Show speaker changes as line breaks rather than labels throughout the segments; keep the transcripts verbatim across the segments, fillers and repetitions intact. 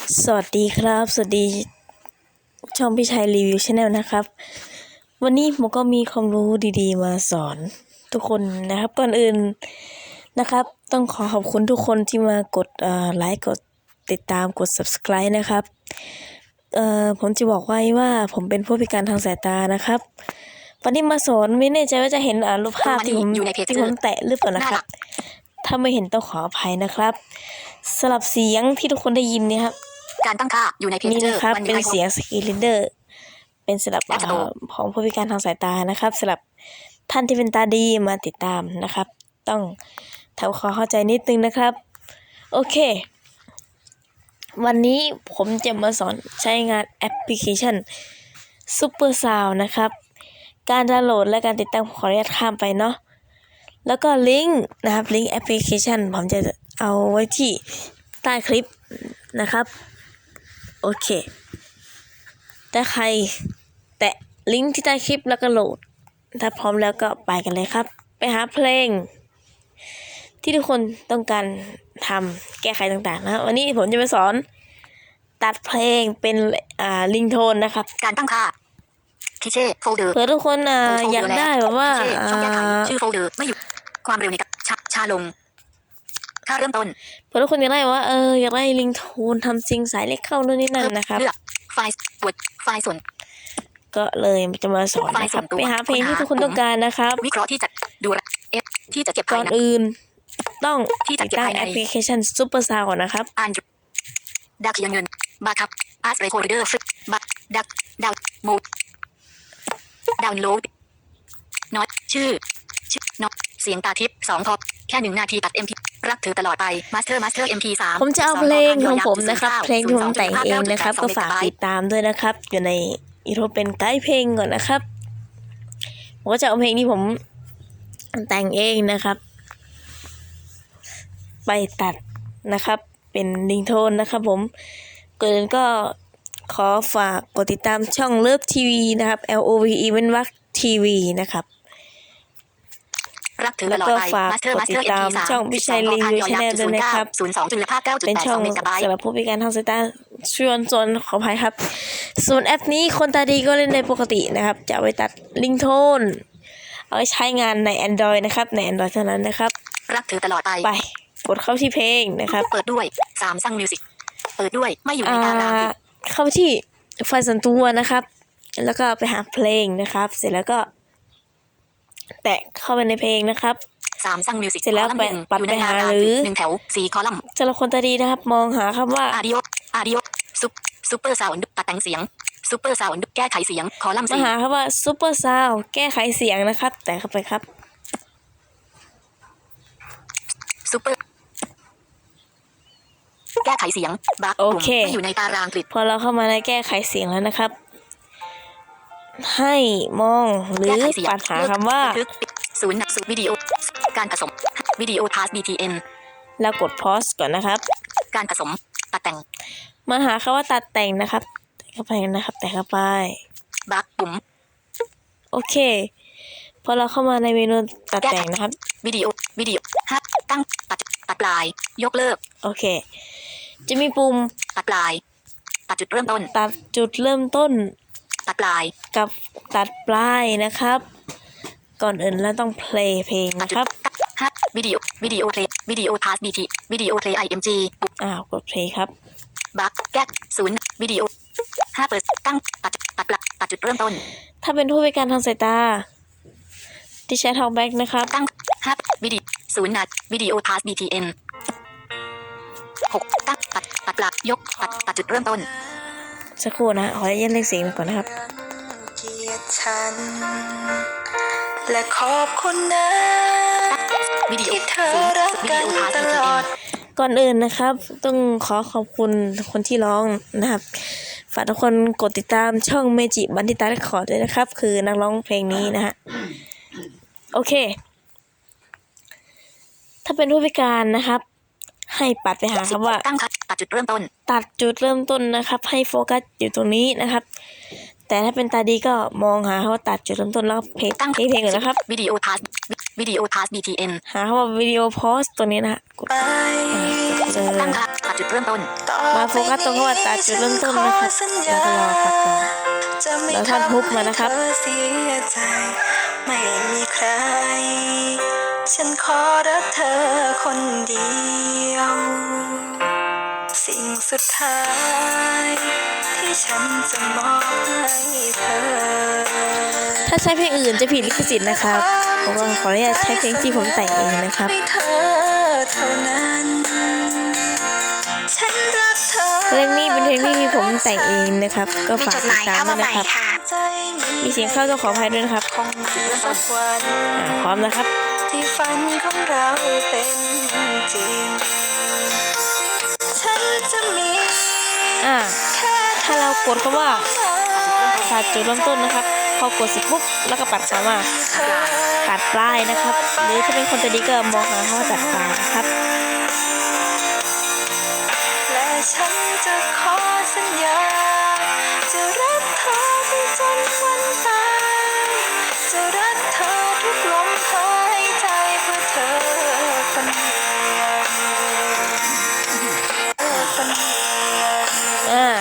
สวัสดีครับสวัสดีช่องพี่ชัยรีวิวชาแนลนะครับวันนี้ผมก็มีความรู้ดีๆมาสอนทุกคนนะครับก่อนอื่นนะครับต้องขอขอบคุณทุกคนที่มากดไลค์กดติดตามกด ซับสไครบ์ นะครับเอ่อผมจะบอกไว้ว่าผมเป็นผู้พิการทางสายตานะครับวันนี้มาสอนไม่แน่ใจว่าจะเห็นรูปภาพที่ผมที่ผมแตะหรือเปล่านะครับถ้าไม่เห็นต้องขออภัยนะครับสลับเสียงที่ทุกคนได้ยินเนี่ยครับ
การตั้งค่าอยู่ในเพจนี่
นะครับเป็นเสียงสกรีนเรนเดอร์เป็นสำหรับของผู้พิการทางสายตานะครับสำหรับท่านที่เป็นตาดีมาติดตามนะครับต้องทำความเข้าใจนิดนึงนะครับโอเควันนี้ผมจะมาสอนใช้งานแอปพลิเคชัน Super Sound นะครับการดาวน์โหลดและการติดตั้งขออนุญาตข้ามไปเนาะแล้วก็ลิงก์นะครับลิงก์แอปพลิเคชันผมจะเอาไว้ที่ใต้คลิปนะครับโอเคถ้าใครแตะลิงก์ที่ใต้คลิปแล้วก็โหลดถ้าพร้อมแล้วก็ไปกันเลยครับไปหาเพลงที่ทุกคนต้องการทำแก้ไขต่างๆนะวันนี้ผมจะมาสอนตัดเพลงเป็นอ่าลิงโทนนะครับ
การตั้งค่าพิเช่โฟลเดอร์
เผื่อทุกคนอ่าอยากได้แบบว่า
ชื่อโฟลเดอร์ไม่อยู่ความเร็วในกับชาชาลงค่าเริ่มต้น
เผื่อทุกคนอยากได้ว่าเอออยากได้ลิงโทนทำซิงสายเล็กเข้านู่นนี่นั่นนะครับ
เลือกไฟล์ตรวจไฟล์ส่วน
ก็เลยจะมาสอนนะครับไปหาเพลงที่ทุกคนต้องการนะครับ
วิเคราะห์ที่จะดูเอฟที่จะเก็บ
ก่อนอื่นต้อง
ที่จะ
ติดตั้งแอปพลิเคชัน Super Sound ก่อนนะครับ
อ่านดักเขียนเงินบาร์คับอาร์ตเรคคอร์เดอร์ฟิกบักดักดาวโมดดาวน์โหลดน็อตชื่อชื่อน็อตเสียงตาทิพย์สองพอแค่หนึ่งนาทีตัด เอ็ม พี รักเธอตลอดไปมาสเตอร์มาสเตอร์ เอ็ม พี สาม
ผมจะเอาเพลงของผมนะครับเพลงที่ผมแต่งเองนะครับก็ฝากติดตามด้วยนะครับอยู่ในอีโทเป็นไกด์เพลงก่อนนะครับผมก็จะเอาเพลงที่ผมแต่งเองนะครับไปตัดนะครับเป็นลิงโทนนะครับผมเกินก็ขอฝากกดติดตามช่องเลิฟทีวีนะครับ L O V E เว้นวรรคทีวีนะครับแล้วก็ฝากกดติดตามช่องพี่ชัยรีวิวชาแนลด้วยนะครับเป็นช่องสำหรับผู้พิการทางสายตาชวนชวนขออภัยครับส่วนแอปนี้คนตาดีก็เล่นได้ปกตินะครับจะเอาไปตัดลิงโทนเอาไว้ใช้งานใน Android นะครับใน Android เท่านั้นนะครับ
รักเธอตลอดไป
ไปกดเข้าที่เพลงนะครับ
เปิดด้วยสามซังมิวสิกเปิดด้วยไม่อยู่ในตาราง
เข้าที่ไฟล์ส่วนตัวนะครับแล้วก็ไปหาเพลงนะครับเสร็จแล้วก็แตะเข้าไปในเพลงนะครับ
สามซังมิวสิก
เสร็จแล้วไปปัดไปหาหรือ
หนึ่งแถวสี่คอลัมน์
สำหรับคนตาดีนะครับมองหาคำว่า
อาดิโออาดิโอซุปซุปเปอร์ซาวด์ตัดแต่งเสียงซุปเปอร์ซาวด์แก้ไขเสียงคอลัมน์
สี่มาหาคำว่าซุปเปอร์ซาวด์แก้ไขเสียงนะครับแตะเข้าไปครับ
ซุปเปอร์แก้ไขเสียงบัค
โอเค
อยู่ในตารางกริด
พอเราเข้ามาในแก้ไขเสียงแล้วนะครับให้มองหรือปัดหาคำว่า
ศูนย์ศูนย์วิดีโอการผสมวิดีโอพาส บี ที เอ็น
แล้วกดพอสก่อนนะครับ
การผสมตัดแต่ง
มาหาคำว่าตัดแต่งนะครับแตะเข้าไปนะครับแตะเข้าไป
บัคปุ่ม
โอเคพอเราเข้ามาในเมนูตัดแต่งนะครับ
วิดีโอวิดีโอฮะตั้งตัดตัดปลายยกเลิก
โอเคจะมีปุ่ม
ตัดปลายตัดจุดเริ่มต้น
ตัดจุดเริ่มต้น
ตัดปลาย
กับตัดปลายนะครับก่อนอื่นเราต้องเพลย์เพลงนะครับ
ฮะวิดีโอวิดีโอเพลย์วิดีโอพาสบีทีวิดีโอเพลย์ไอเอ็มจี
อ้าวกดเพลย์ครับ
บัคแก๊กศูนย์วิดีโอห้าเปิดตั้งตัดตัดปลายตัดจุดเริ่มต้น
ถ้าเป็นผู้พิการทางสายตาที่ใช้ทองแบ็กนะครับ
ตั้งห้าวิดีโอศูนย์นัดวิดีโอพาสบีทีเอ็นหกตั้งตัดตัดปลายยกตัดตัดจุดเริ่มต้น
สักครู่นะขอเย็นเลขเสียงก่อนนะครับ
และขอบคุณนะ
วิดีโอ
เธอรักกันตลอด
ก่อนอื่นนะครับต้องขอขอบคุณคนที่ร้องนะครับฝากทุกคนกดติดตามช่องเมจิบันทิตาเรคคอร์ดด้วยนะครับคือนักร้องเพลงนี้นะฮะโอเคถ้าเป็นผู้พิการนะครับให้ปัดไปหาคำว่า
ตัดจุดเริ่มต้น
ตัดจุดเริ่มต้นนะครับให้โฟกัสอยู่ตรงนี้นะครับแต่ถ้าเป็นตาดีก็มองหาเขาตัดจุดเริ่มต้นแล้วเพลงตั้งเพลงก่อนนะครับ
วิดีโอพาสวิดีโอพาส บี ที เอ็น
หาคำว่าวิดีโอพอสตัวนี้นะฮะกด
ไป
เจอ
ตั้งค่าตัดจุดเริ่มต้น
มาโฟกัสตรงคำว่าตัดจุดเริ่มต้นนะครับแล้วก็รอครับรอ
จะไม่
แล้วท่าน
ทำ
ฮุบมานะครับ
ให้เธอเสียใจ ไม่มีใคร ฉันขอรักเธอคนเดียว สิ่งสุดท้าย ที่ฉันจะมอบให้เธอ
ถ้าใช้เพลงอื่นจะผิดลิขสิทธิ์นะครับเพราะว่าขออนุญาตใช้เพลงที่ผมแต่งเองนะครับ
ให้เธอเท่านั้นฉันรักเธอ
เพลงนี้เป็นเพลงที่ผมแต่งเองนะครับ ก็
มี
ฝาก
จดห
ติด
มาย
ตาม
เข้า
ด้
มา
วย
ใหม่
นะครับ
ค่ะ
มีเสียงเข้าต้องขออภัยด้วยนะครับ
คงถึงสักวัน
อ่าพร้อมนะครับ
ที่ฝันของเราเป็นจริง ฉันจะมี
อ่า
แค่
ถ้าเรากดคำว่า
เธอ
ตัดจุดเริ่มต้นนะครับ พอกดเสร็จปุ๊บแล้วก็ปัดคำว่า
เธอ
ตัดปลายนะครับ หรือถ้าเป็นคนใจดีก็มองหาคำว่าตัดปลายนะครับ
และฉันจะขอสัญญา จะรักเธอไปจนวันตาย จะรักเธอทุกลมหายใจเพื่อเธอคนเดียวเธอคนเดียว
อ่า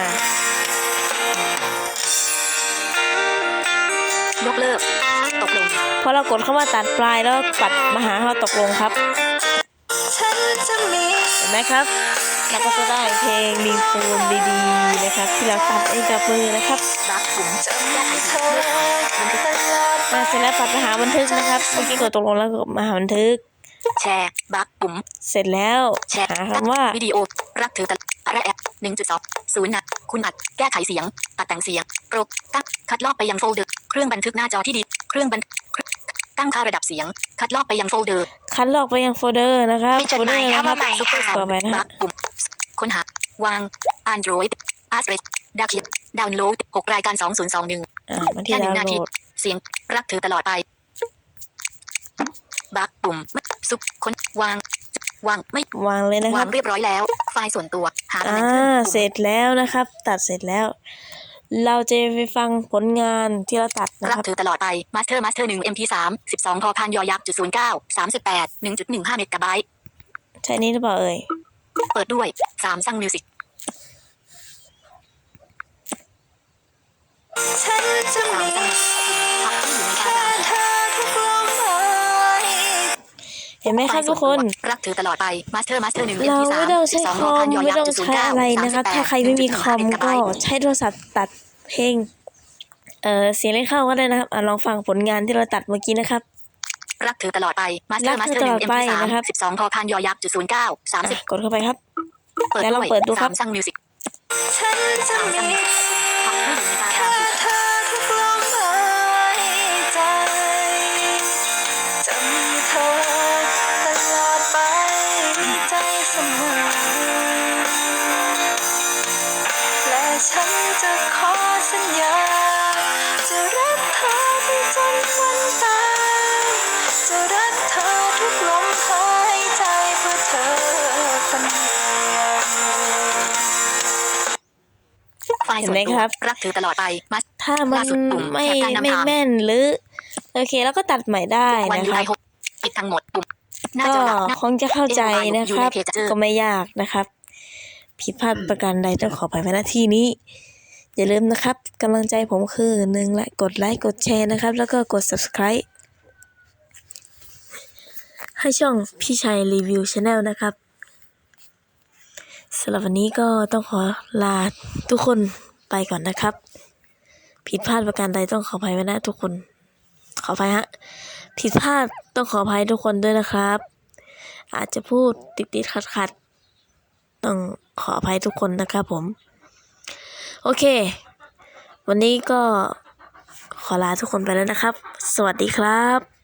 ยกเลิก ตกลง
พอเรากดคำว่าตัดปลายแล้วปัดมาหาคำว่าตกลงครับ
ฉันจะมี
เห็นไหมครับเราก็จะได้เพลงรีโฟนดีๆนะครับ ที่เราตัดเองกับมือนะครับ
บักปุ่ม
จะ
แก้
มี
ไข
เธ
สิ่ง
อ
เลือกบันทึก
ตลอดไป
อ่าเสร็จแล้วปัดมาหาบันทึกนะครับ เมื่อกี้กดตกลงแล้วก็มาหาบันทึก
แชร์บักปุ่ม
เสร็จแล้ว
แชร์
หาคำว่า
วิดีโอรักเธอตลอดอะไรแอปหนึ่งจุดสองศูนย์นะคุณอัดแก้ไขเสียงตัดแต่งเสียงโปรตั้งคัดลอกไปยังโฟลเดอร์เครื่องบันทึกหน้าจอที่ดีเครื่องบันตั้งค่าระดับเสียง คัดลอกไปยังโฟลเดอร์
คัดลอกไปยังโฟลเดอร์นะครับ
มีจ
โฟ
ด
ล
ห
เดอ
มาย
ร์
เข้า
นะครั
มา
บ
ใหม่
ซุปเปอร์
ค่ะ
ซาว
ต่อ
ด์
ไปนะ
บั
ฮะ
กปุ่มค้นหาวาง Android Address ดาวเขียนดาวน์โหลดหกรายการสองศูนย์สองหนึ่ง
อ่ามาที่
แค่หนึ่
ดาว
ง
น์
นา
โหล
ที
ด
เสียงรักเธอตลอดไปบักปุ่มซุปค้นวางวางไม่
วางเลยนะคว
า
รั
ง
บ
เรียบร้อยแล้ว ไฟล์ส่วนตัวหาตำ
อ่า
แหน่งขึ้นปุ่ม
เสร็จแล้วนะครับ ตัดเสร็จแล้ว เราจะไปฟังผลงานที่เราตัดนะ
รั
ค
ก
รับ
เธอตลอดไปมาสเตอร์มาสเตอร์หนึ่ง เอ็ม พี สาม สิบสองพอพานยอยักษ์จุดศูนย์เก้า สามสิบแปด หนึ่งจุดหนึ่งห้าเมกะไบต์
ใช่นี้หรือเปล่าเอ่ย
เปิดด้วยสามซังมิวสิก
ฉันจะ
สาม
มี
ซังพักที่อยู่ในตา
แค่
ราง
เธอทุกลมหาย
เห็นไหมครับทุกคน
รักเธอตลอดไปมาสเตอร์มาสเตอร์หนึ่ง เอ็ม
เรา
พี สาม
ไม่ต้อง
สิ
ใช้
บสอง
ค
พอ
อม
พานยอ
ไม่
ยัก
ต้อ
ษ์
ง
จุดศูน
ใช้
ย์เก้า
อะไร
สาม
นะ
สิ
ครับ
บแปด
ถ้าใครไม่มีคอม
หนึ่งจุดหนึ่งห้าเมกะไบ
ก็
ต์
ใช้โทรศัพท์ตัดเพลงเอ่อเสียงเล่นเข้าก็ได้นะครับอ่ะลองฟังผลงานที่เราตัดเมื่อกี้นะครับ
รักเธอตลอดไปมาสเตอ
รั
ร์
ก
มาส
เธ
เต
อ
อร์
ต
ห
ล
นึ่
อง ด
เอ็ม
ไป
พี สาม
นะครับ
สิบสองพอพานยอยักษ์จุดศูนย์เก้า สามสิบ
อ่ะกดเข้าไปครับ
เปิด
แล้วล
ด้
อง
วย
เปิดดูครับ
สามซังมิวสิก
ฉันจะมี
พักที่อยู่ในตา
แค่
ราง
เธอทุกลมหายใจ จะมีเธอตลอดไปในใจเสมอ และฉันจะขอสัญญา จะรักเธอไปจนวันตาย จะรักเธอทุกลมหายใจเพื่อเธอคนเดียว
ไฟล์ส่วน
เห็นไหม
ตัว
ครับ
รักเธอตลอดไปมา
ถ้ามัน
ล่าสุดปุ่ม
ไม่
แถบการนำ
ไม่
ทาง
แม่นหรือโอเคแล้วก็ตัดใหม่ได้
วัน
นะ
ยู
ค
ไอ
รับ
หกปิดทั้งหมดปุ่มหน้า
ก็
จอหลักหน้า
คงจะเข้าใจนะครับ
อยู่ในเพจเจอ
ก็ไม่ยากนะครับ ผิดพลาดประการใดต้องขออภัยในหน้าที่นี้ อย่าลืมนะครับกำลังใจผมคือหนึ่งและกดไลค์กดแชร์นะครับ แล้วก็กด subscribe ให้ช่องพี่ชัยรีวิวชาแนลนะครับสำหรับวันนี้ก็ต้องขอลาทุกคนไปก่อนนะครับ ผิดพลาดประการใดต้องขออภัยไว้นะทุกคน ขออภัยฮะผิดพลาดต้องขออภัยทุกคนด้วยนะครับ อาจจะพูดติดติดขัดขัดๆต้องขออภัยทุกคนนะครับผมโอเค วันนี้ก็ขอลาทุกคนไปแล้วนะครับ สวัสดีครับ